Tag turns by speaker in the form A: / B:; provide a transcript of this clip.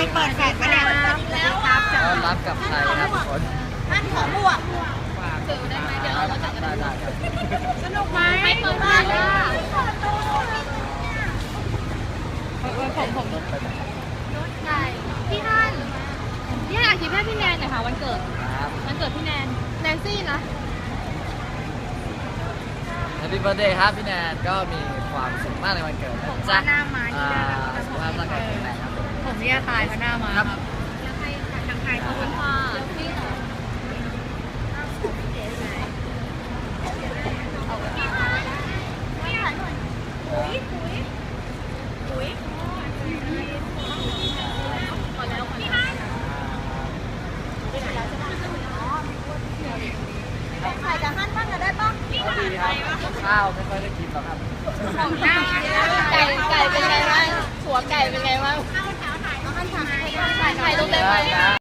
A: เปิดแฟลชมาเนี่ยแล้วครับ
B: ต้อนรับกับใครครับทุกคน
A: ท่านของบวก
B: สื่อได้ไหมเดี๋ยวเราจะได้ครับ
A: สนุกไหมไม่เปิดมากอ่ะผมรถไก่พี่ฮันพี่ฮันอาชีพให้พี่แนนหน่อยค่ะวันเกิด
B: ครับ
A: วันเกิดพี่แนนแนนซี่นะ
B: Happy Birthday ครับพี่แนนก็มีความสุขมากในวันเกิดนะจ๊ะสุขภาพร่างกายแข็งแรงครับ
A: ผมนี่ตายเพราะหน้ามาครับแล้วใครทางใครขอบคุณค่ะพี่เหรอไข่กับหั่นบ้างก็ได้ปะ
B: ก็ดีครับข้าวไม่ค่อยได้กินหรอกครับ
A: ของหน้าไก่เป็นไงบ้างหัวไก่เป็นไง